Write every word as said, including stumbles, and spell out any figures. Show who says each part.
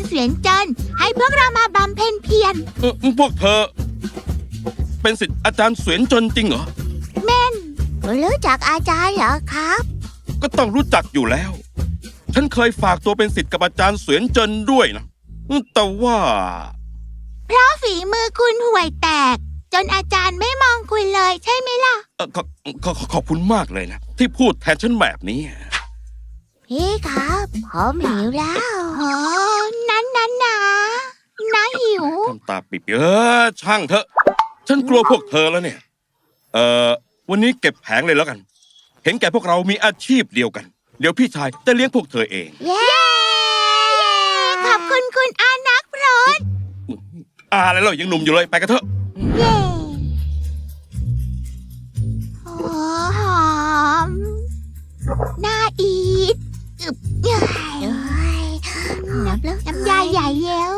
Speaker 1: เสวียนจันทร์ให้พวกเรามาบำเพ็ญเพียร
Speaker 2: เออพวกเธอ เป็นศิษย์อาจารย์เสวียนจนจริงเหรอ
Speaker 1: เม่นรู้จักอาจารย์เหรอครับ
Speaker 2: ก็ต้องรู้จักอยู่แล้ว ฉันเคยฝากตัวเป็นศิษย์กับอาจารย์เสวียนจนด้วยนะแต่ว่า
Speaker 1: เพราะฝีมือคุณห่วยแตก จนอาจารย์ไม่มองคุณเลยใช่ไหมล่ะ
Speaker 2: เอ่อขอขอขอขอบคุณมากเลยนะ ที่พูดแทนฉันแบบนี้
Speaker 1: พี่ครับผมหิวแล้วโอ้นั้นนั้นนะนะหิว
Speaker 2: ทำตาปิบเออช่างเถอะ ฉันกลัวพวกเธอแล้วเนี่ย เอ่อวันนี้เก็บแผงเลยแล้วกัน เห็นแก่พวกเรามีอาชีพเดียวกัน เดี๋ยวพี่ชายจะเลี้ยงพวกเธอเอง
Speaker 1: เย้ ขอบคุณคุณอานักพรต
Speaker 2: อ่าแล้วเรายังหนุ่มอยู่เลยไปกันเถอะ
Speaker 1: เย้โอ้หอมน่าอีทอึบเย้ยหอมแล้วน้ำยาใหญ่เย้ว